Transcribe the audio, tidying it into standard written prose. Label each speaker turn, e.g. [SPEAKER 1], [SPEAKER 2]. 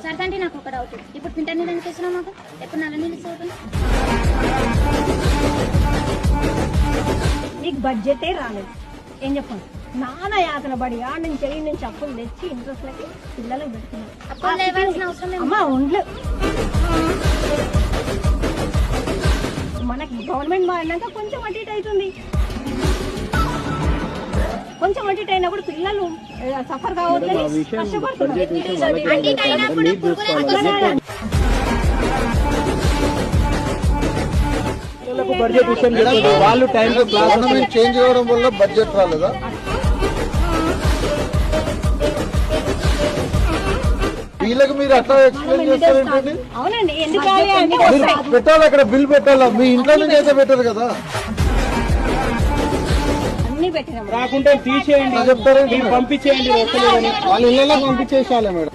[SPEAKER 1] సరే అంటే నాకు ఒక డౌట్, ఇప్పుడు ఫిల్టర్ నీళ్ళు ఎందుకు ఇస్తున్నావు మాకు? ఎప్పుడు నల్ల నీళ్ళు ఇస్తావు?
[SPEAKER 2] నీకు బడ్జెటే రాలేదు, ఏం చెప్పండి? నాన్న యాతన పడి ఆడ నుంచి వెళ్ళి నుంచి అప్పులు తెచ్చి ఇంట్రెస్ట్లకి పిల్లలకు పెడుతున్నారు. అమ్మ ఉండలు మనకి గవర్నమెంట్ మారినాక కొంచెం అటు ఇటు అవుతుంది. కొంచెం అటు ఇటు అయినప్పుడు పిల్లలు సఫర్ కావద్దని కష్టపడుతున్నారు.
[SPEAKER 3] బడ్జెట్ విషయం వాళ్ళు టైం గవర్నమెంట్ చేంజ్ అవ్వడం వల్ల బడ్జెట్ రాలేదా? వీళ్ళకి మీరు అట్లా ఎక్స్ప్లెయిన్ చేస్తారేంటండి?
[SPEAKER 2] అవునండి, ఎందుకు
[SPEAKER 3] పెట్టాలి, అక్కడ బిల్ పెట్టాలా? మీ ఇంట్లో నుంచి అయితే పెట్టారు కదా,
[SPEAKER 2] అన్ని పెట్టినాం.
[SPEAKER 4] రాకుంటే తీసేయండి,
[SPEAKER 3] చెప్తారేంటి?
[SPEAKER 4] పంపించేయండి.
[SPEAKER 3] వాళ్ళ ఇళ్ళలో పంపించేసాలే మేడం.